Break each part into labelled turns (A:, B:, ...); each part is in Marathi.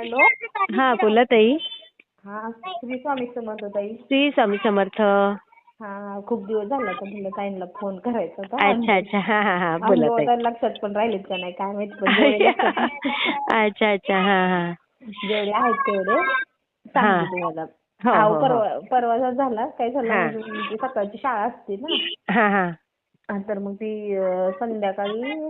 A: हॅलो.
B: हा बोला ताई.
A: हा, श्री स्वामी समर्थ ताई.
B: श्री स्वामी समर्थ.
A: हा, खूप दिवस झाला तर म्हणलं ताईंना फोन करायचा होता.
B: अच्छा अच्छा. हा हा हा बोला
A: अनुभव
B: ताई.
A: तर लक्षात पण राहिलेत का नाही काय माहिती, पण जेवढे लक्षात
B: अच्छा अच्छा. हा हा
A: जेवढे आहेत तेवढे
B: हा.
A: सांगते तुम्हाला.
B: हो
A: अहो
B: हो हो.
A: परवाचा झाला काय झालं,
B: हा
A: म्हणजे सकाळची शाळा असते ना.
B: हा हा
A: तर मग ती संध्याकाळी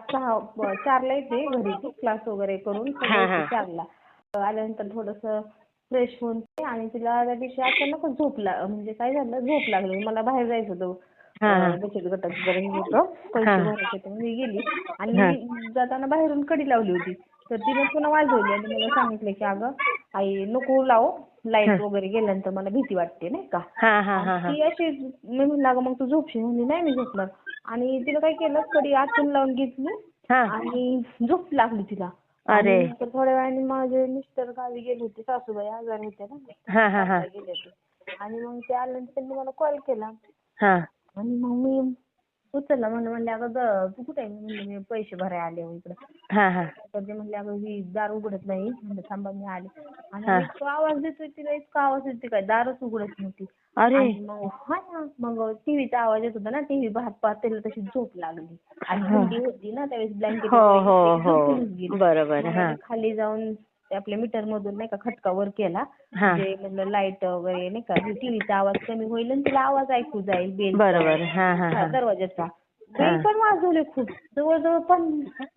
A: 4ला येते घरी, ती क्लास वगैरे करून सगळं
B: हा
A: येते
B: हा
A: 4ला. आल्यानंतर थोडंसं फ्रेश होऊन आणि तिला त्या दिवशी अचानकच म्हणजे काय झालं, झोप लागली. मला बाहेर जायचं
B: हा
A: होतं,
B: हा
A: बचत गटाचं जरा हे होतं,
B: हा
A: पैसे भरायचे होते. मी गेली आणि
B: हा
A: मी जाताना बाहेरून कडी लावली होती. तर तिनं पुन्हा वाजवली आणि मला सांगितलं की अगं आई नको लावू, लाईट वगैरे गेल्यानंतर मला भीती वाटते नाही का.
B: हा हा
A: आणि
B: हा हा
A: ती अशी, मी म्हणलं अगं मग तू झोपशील, म्हणजे नाही मी झोपणार. आणि तिनं काय केलं, कडी आतून लावून घेतली
B: हा.
A: आणि झोप लागली तिला. आणि
B: अरे.
A: नंतर थोड्या वेळाने माझे मिस्टर गावी गेले होते, सासूबाई आजारी होत्या ना,
B: हा हा हा
A: गावाला गेले होते. आणि मग ते आल्यानंतर त्यांनी मला कॉल केला
B: हा
A: आणि मग मी उचलला. म्हणले अगं तू कुठे आहे? म्हणलं मी पैसे भरायला आले हो इकडं.
B: हा हा
A: तर ते म्हणले अगं ही दार उघडत नाही. म्हणलं थांबा मी आले. आणि
B: हा.
A: अगं इतका आवाज देतोय तिला, इतका आवाज येतोय काय, दारच उघडत नव्हती.
B: अरे.
A: आणि मग मग टीव्हीचा आवाज येत होता ना, टीव्ही पाहत पाहत तिला तशी झोप लागली. आणि
B: हा.
A: थंडी होती ना त्यावेळेस, ब्लँकेट
B: हो
A: वगैरे
B: हो
A: घेतले की
B: हो
A: झोपूनच गेली.
B: बरोबर.
A: मग
B: हा
A: मी खाली जाऊन ते आपल्या मीटर मधून नाही का खटका वर केला,
B: हा
A: म्हणजे म्हणलं लाईट वगैरे नाही का, टीव्हीचा आवाज कमी होईल आणि तिला आवाज ऐकू जाईल बेलचा,
B: बरोबर. हा हा हा
A: दरवाजाचा.
B: हा
A: बेल पण वाजवले खूप, जवळजवळ पण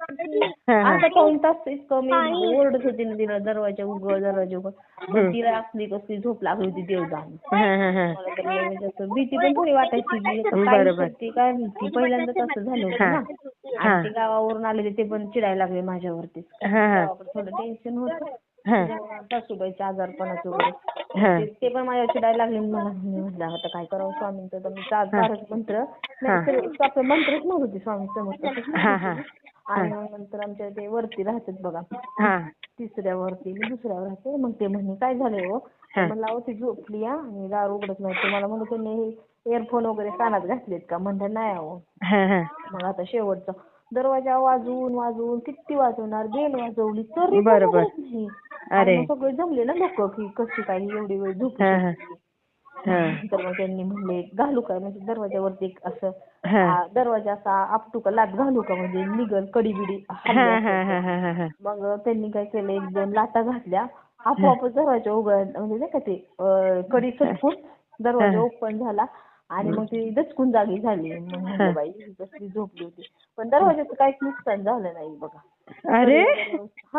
B: हा हा.
A: अर्धा पाऊण तास इतकं मी ओरडत होते ना तिला, दरवाजा उघड दरवाजा उघड. पण तिला असली कसली झोप लागली होती देव जाणे.
B: हा हा हा.
A: मला तर लय म्हणजे असं भीती पण थोडी वाटायची की काय
B: बरोबर.
A: करते काय माहिती. पहिल्यांदाच असं झालं होतं
B: हा
A: ना. आणि
B: हा
A: ते गावावरून आले ते पण चिडायला लागले माझ्यावरतीच, कारण
B: हा
A: की
B: हा
A: गावाकडे थोडं टेन्शन होतं
B: हा
A: सासूबाईच्या आजारपणाचं वगैरे. मग
B: हा
A: ते पण माझ्यावर चिडायला लागले. मला म्हटलं आता काय करावं, स्वामींचं तर मी
B: हा
A: तारक मंत्र
B: हा
A: नाही, आपले मंत्रच म्हणत होते स्वामी समर्थाचेच म्हणत
B: हा
A: होते
B: हा
A: मी.
B: हा
A: आणि मग नंतर आमच्या ते वरती राहतात बघा,
B: हा
A: 3ऱ्या वरती, मी 2ऱ्यावर राहते. मग ते म्हणे काय झालंय हो, तर
B: हा
A: म्हणलं अहो ती झोपली आणि दार उघडत नाही. तर मला म्हणत त्यांनी इयरफोन वगैरे कानात घातलेत का. म्हणलं नाही अहो.
B: हा हा.
A: मग आता शेवटचा दरवाजा वाजवून वाजवून किती वाजवणार, बेल वाजवली तरी पण
B: बरोबर.
A: उघडत नाही. आणि
B: अरे.
A: मग सगळे जमले ना लोक की कशी काय एवढी वेळ झोपू
B: हा हा
A: शकते.
B: हा
A: तर मग त्यांनी म्हणले घालू काय, म्हणजे दरवाजावरती एक असं
B: हा
A: दरवाजा असा आपटू का, लाथ घालू का, म्हणजे निघल कडी बिडी हल्ली
B: हा
A: असेल तर.
B: हा हा हा हा.
A: मग त्यांनी काय केलं, 1-2 लाथा घातल्या, आपोआपच दरवाजा म्हणजे नाही का ते कडी सटकून दरवाजा ओपन झाला. आणि मग ती दचकून जागी झाली. मग म्हणलं बाई ही कसली झोपली होती. पण दरवाजाचं काहीच नुकसान झालं नाही बघा. कडी
B: अरे.
A: वगैरे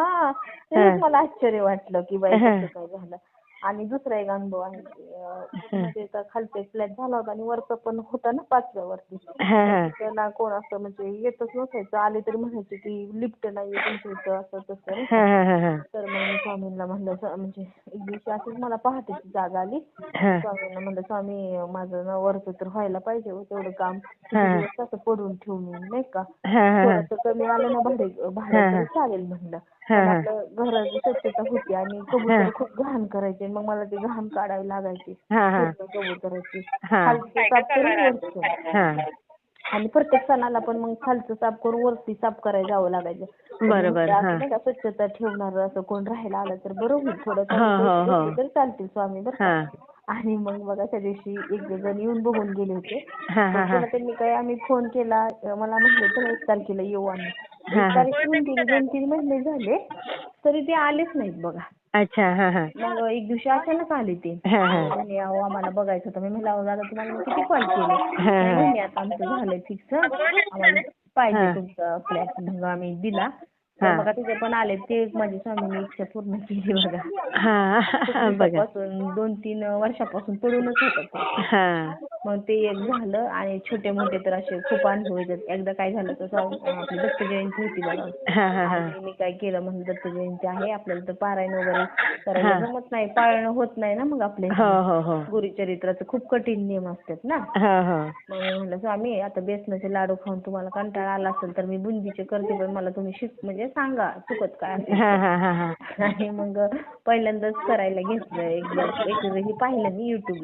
B: हा
A: तेच मला आश्चर्य वाटलं की बाई
B: हा
A: कसं काय झालं. आणि दुसरा एक अनुभव आहे, म्हणजे खालचा एक फ्लॅट झाला होता आणि वरचा पण होता ना 5व्या वरती.
B: हा
A: तर
B: हा
A: तिथं ना कोण असं म्हणजे येतच नसायचं, आले तरी म्हणायचे की लिफ्ट नाहीये तुमच्या इथं, असं तसं नाही का.
B: हा हा हा
A: तर मग मी स्वामींना म्हणलं, म्हणजे एक दिवशी असंच मला पहाटेची जाग आली.
B: हा
A: स्वामींना म्हणलं स्वामी माझं ना वरचं तर व्हायला पाहिजे हो, तेवढं काम किती
B: हा
A: दिवस असं पडून ठेवून नाही का.
B: हा हा
A: थोडंसं कमी आलं ना भाडं
B: हा
A: तरी चालेल म्हणलं.
B: हा
A: पण
B: हा
A: आपलं घराची स्वच्छता होती आणि कबूतर खूप घाण करायचे, मग मला ते घाण काढावी लागायची
B: हा हा
A: पूर्ण कबुतराची.
B: हा
A: खालचं साफ करून वरचं.
B: हा.
A: आणि प्रत्येक सणाला पण मग खालचं साफ करून वरती साफ करायला जावं लागायचं. तर मी
B: बरोबर.
A: म्हटलं
B: हा
A: असं नाही का स्वच्छता ठेवणार असं कोण राहायला आलं तर बरं होईल, थोडं
B: हो
A: कमी
B: हो
A: पैसे
B: हो
A: घेतले तर चालतील स्वामी बरं का.
B: हा
A: आणि मग बघा त्या दिवशी एक जण येऊन बघून गेले होते.
B: हा
A: पण
B: हा हा
A: पुन्हा त्यांनी काय, आम्ही फोन केला, मला म्हणले चला 1 तारखेला येऊ आम्ही.
B: हा
A: 1
B: हा.
A: तारीख होऊन गेली, 2-3 महिने झाले तरी ते आलेच नाहीत बघा.
B: अच्छा. हा हा
A: मग एक दिवशी अचानक आले ते
B: हा
A: आणि
B: हा
A: म्हणे अहो आम्हाला बघायचं होतं. मी म्हणलं अहो दादा तुम्हाला मी किती कॉल केले.
B: हा
A: नाही
B: हा
A: म्हणे आता आमचं झालंय फिक्स, आम्हाला पाहिजे
B: हा
A: तुमचा फ्लॅट. मग आम्ही दिला. तर
B: हा
A: बघा तिथे पण आले, ते एक माझी स्वामींनी इच्छा पूर्ण केली बघा. खूप
B: हा बघा.
A: दिवसापासून 2-3 वर्षापासून पडूनच होतं ते.
B: हा
A: मग ते एक झालं. आणि छोटे मोठे तर असे खूप अनुभव येतात. एकदा काय झालं तर आपली दत्त जयंती होती बघा.
B: हा हा हा
A: आणि मी काय केलं, म्हणलं दत्त जयंती आहे आपल्याला तर पारायण वगैरे करायला
B: हा
A: जमत नाही, पाळणं होत नाही ना मग आपल्या
B: हो
A: ह्याच्याने.
B: हो हो
A: गुरुचरित्राचे खूप कठीण नियम असतात ना.
B: हो हो
A: मग मी म्हणलं स्वामी आता बेसनाचे लाडू खाऊन तुम्हाला कंटाळा आला असेल तर मी बुंदीचे करते, पण मला तुम्ही म्हणजे सांगा चुकत काय असेल
B: हा
A: तर.
B: हा हा हा
A: आणि मग पहिल्यांदाच करायला घेतलं, एक हे पाहिलं मी युट्यूबला.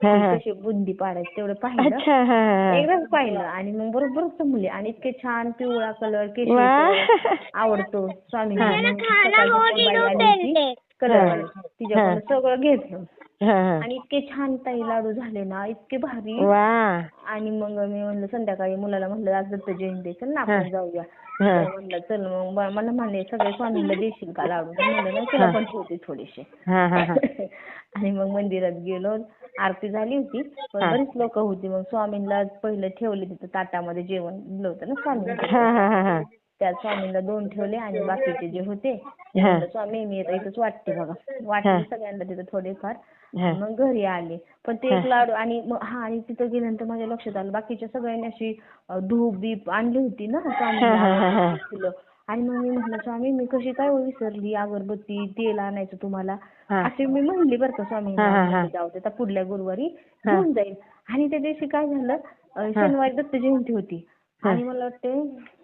B: हा,
A: की
B: हा.
A: कशी बुंदी पाडायची तेवढं पाहिलं.
B: अच्छा. हा, हा.
A: एकदाच पाहिलं आणि मग बरोबर जमले आणि इतके छान पिवळा कलर केशरी
B: वा.
A: कलर आवडतो स्वामींना. मग सकाळची बाई आली होती कलरवाली, तिच्याकडून सगळं घेतलं
B: हा, हा.
A: आणि इतके छान ताई लाडू झाले ना, इतके भारी.
B: वा.
A: आणि मग मी म्हणलं संध्याकाळी मुलाला म्हणलं आज दत्त जयंती चल ना आपण जाऊया.
B: हा.
A: तर म्हणलं चल मग मला म्हणे सगळे स्वामींना देशील का लाडू, तर म्हणलं नाही तुला पण ठेवते थोडेसे.
B: हा, हा, हा.
A: आणि मग मंदिरात गेलो, आरती झाली होती पण
B: हा.
A: बरीच लोक होती. मग स्वामींना पहिलं ठेवले तिथं ताटामध्ये जेवण दिलं होतं ना
B: हा,
A: स्वामींचं.
B: हा, हा, हा.
A: त्या स्वामींना 2 ठेवले आणि बाकीचे जे होते ते म्हणलं स्वामी मी इथंच वाटते बघा. वाटले सगळ्यांना तिथं थोडेफार आणि मग घरी आले. पण ते एक लाडू आणि आणि तिथं गेल्यानंतर माझ्या लक्षात आलं बाकीच्या सगळ्यांनी अशी धूप बीप आणली होती ना स्वामींना फुलं. आणि मग मी म्हटलं स्वामी मी कशी काय विसरली, अगरबत्ती तेल आणायचं तुम्हाला असे मी म्हणली बरं का स्वामींना. जाऊ दे आता पुढल्या गुरुवारी घेऊन जाईल. आणि त्या दिवशी काय झालं, शनिवारी दत्त जयंती होती आणि मला वाटते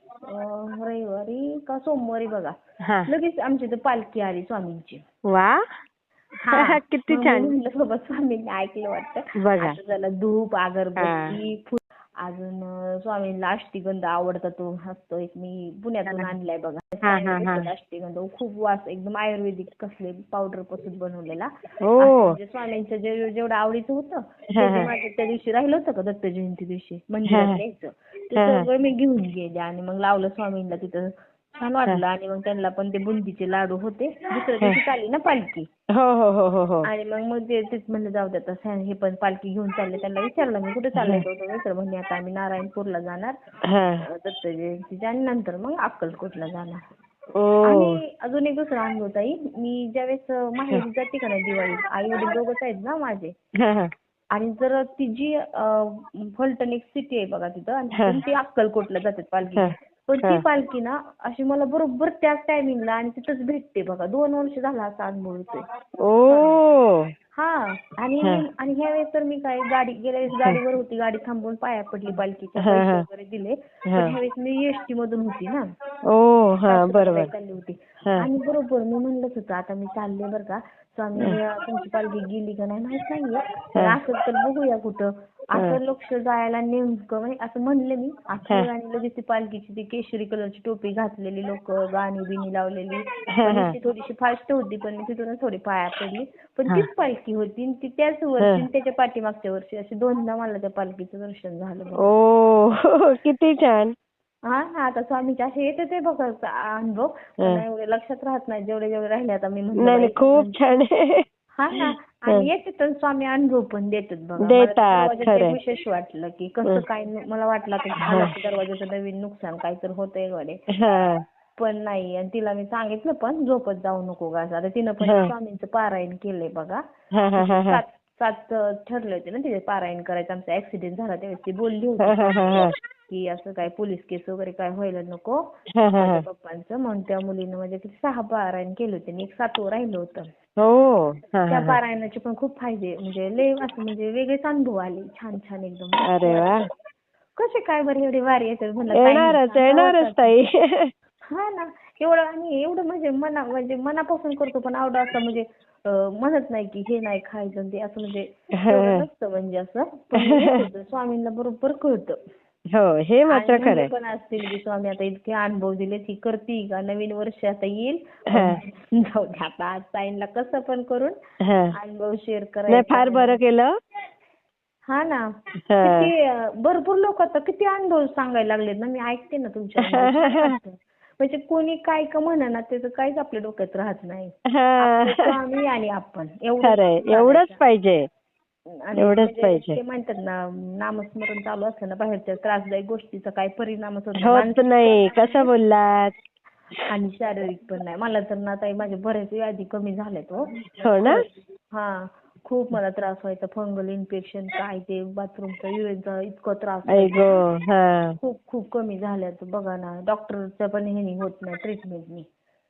A: रविवारी का सोमवारी बघा लगेच आमच्या इथं पालखी आली स्वामींची.
B: वा. किती छान.
A: म्हणलं बाबा स्वामींनी ऐकलं वाटतं.
B: बघा.
A: आता झालं धूप अगरबत्ती फुल अजून स्वामींना अष्टगंध आवडता तो असतो एक मी पुण्यातून आणलाय बघा. अष्टगंध खूप वास एकदम आयुर्वेदिक कसले पावडर पासून बनवलेला. म्हणजे स्वामींचं जेवढं आवडीचं होतं ते माझं त्या दिवशी राहिलं होतं का दत्त जयंती दिवशी मंदिरात न्यायचं ते सगळं मी घेऊन गेले आणि मग लावलं स्वामींना तिथं. छान वाटलं. आणि मग त्यांना पण ते बुंदीचे लाडू होते. दुसऱ्या दिवशी चालली ना पालखी. आणि मग तेच म्हणलं जाऊ दे आता हे पण पालखी घेऊन चालले. त्यांना विचारलं मी कुठे चाललंय तर म्हणजे आता आम्ही नारायणपूरला जाणार दत्त जयंतीच्या आणि नंतर मग अक्कलकोटला जाणार. आणि अजून एक दुसरा अनुभव ताई, मी ज्यावेळेस माहेरी जाते का नाही दिवाळीत, आई वडील दोघंच आहेत ना माझे. आणि जर ती जी फलटण एक सिटी आहे बघा तिथं आणि ती अक्कलकोटला जातात पालखी. पण ती पालखी ना अशी मला बरोबर त्याच टायमिंगला आणि तिथंच भेटते बघा. 2 वर्ष झाला असा अनुभव येतोय. आणि ह्या वेळेस तर मी काय गेल्या वेळेस गाडीवर होती, गाडी थांबवून पाया पडली पालखीच्या, पैसे वगैरे दिले. पण ह्या वेळेस मी एसटी मधून होती ना. बरोबर चालली होती आणि बरोबर मी म्हणलंच होतं आता मी चालले बरं का स्वामी तुमची पालखी गेली का नाही माहित नाहीये असं तर बघूया कुठं असं लक्ष जायला नेमकं म्हणजे असं म्हणले मी असं. आणि लगेच ती पालखीची ती केशरी कलरची टोपी घातलेली लोक गाणी बिणी लावलेली. थोडीशी फास्ट होती पण मी तिथूनच थोडी पाया पडली. पण तीच पालखी होती ती त्याच वर्षी त्याच्या पाठीमागच्या वर्षी अशी 2दा मला त्या पालखीचं दर्शन झालं.
B: किती छान.
A: आता स्वामीचे असे येते ते बघा अनुभव पण एवढे लक्षात राहत नाही जेवढे राहिले. आता मी म्हणलं
B: खूप छान.
A: आणि येते तर स्वामी अनुभव पण देतात बघा. मला विशेष वाटलं की कसं काय मला वाटलं की दरवाजाचं नवीन नुकसान काहीतरी होतंय गडे. पण नाही. आणि तिला मी सांगितलं पण झोपत जाऊ नको गा. आता तिनं पण स्वामींचं पारायण केलंय बघा. 7 ठरले होते ना तिथे पारायण करायचं. आमचा ऍक्सिडेंट झाला त्यावेळेस ती बोलली होती की असं काय पोलीस केस वगैरे काय व्हायला नको माझ्या पप्पांचं. म्हणून त्या मुलीनं म्हणजे 6 पारायण केले होते आणि एक 7वं राहिलं होतं. त्या पारायणाचे पण खूप फायदे म्हणजे लय असं म्हणजे वेगळेच अनुभव आले. छान छान एकदम.
B: अरे वा.
A: कसे काय बरं एवढे वारी येतात म्हणलं.
B: येणारच ताई.
A: ना एवढं आणि एवढं म्हणजे मनापासून करतो पण आवडं असं म्हणजे म्हणत नाही की हे नाही खायचं ते असं म्हणजे नसतं म्हणजे असं. स्वामींना बरोबर कळतं.
B: हे मात्र खरं
A: पण असतील की स्वामी आता इतके अनुभव दिले ती करती का नवीन वर्ष आता येईल. जाऊ दे आता आज ताईंना कसं पण करून अनुभव शेअर करायचा.
B: फार बरं केलं.
A: ना किती भरपूर लोक आता किती अनुभव सांगायला लागलेत ना. मी ऐकते ना तुमच्या म्हणजे कोणी काय का म्हणा ना त्याचं काहीच आपल्या डोक्यात राहत नाही. स्वामी आणि आपण
B: एवढंच पाहिजे.
A: ते म्हणतात ना नामस्मरण चालू असतं ना बाहेरच्या त्रासदायक गोष्टीचा काही परिणामच
B: होत नाही. कसं बोललात.
A: आणि शारीरिक पण नाही. मला तर ना ताई माझे बरेच व्याधी कमी झालेत.
B: हो ना.
A: खूप मला त्रास व्हायचा. फंगल इन्फेक्शन काय ते बाथरूमचा युरिनचा इतका त्रास खूप खूप कमी झाल्यात बघा ना. डॉक्टरच्या पण हे होत नाही ट्रीटमेंटनी.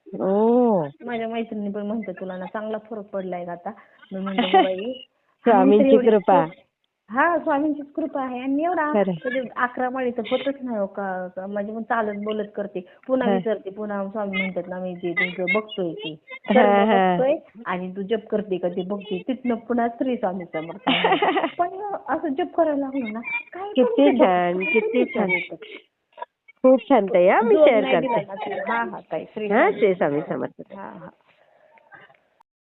A: माझ्या मैत्रिणी पण म्हणतात तुला ना चांगला फरक पडलाय का आता. मी म्हणतो बाई
B: स्वामींची कृपा.
A: हा स्वामींचीच कृपा आहे. आणि एवढा
B: खरं.
A: म्हणजे 11 माळी तर होतच नाही हो का. म्हणजे मग चालत बोलत करते, पुन्हा विचारते, पुन्हा स्वामी म्हणतात ना मी जे तुमचं बघतोय ते सर्व बघतोय आणि तू जप करते का ते बघते. तिथनं पुन्हा श्री स्वामी समर्थ. पण असं जप करायला लागलो ना काय
B: किती छान, किती छान. खूप छान ताई. मी शेअर करते.
A: हा हा ताई श्री
B: हा, श्री स्वामी समर्थ.
A: हा हा.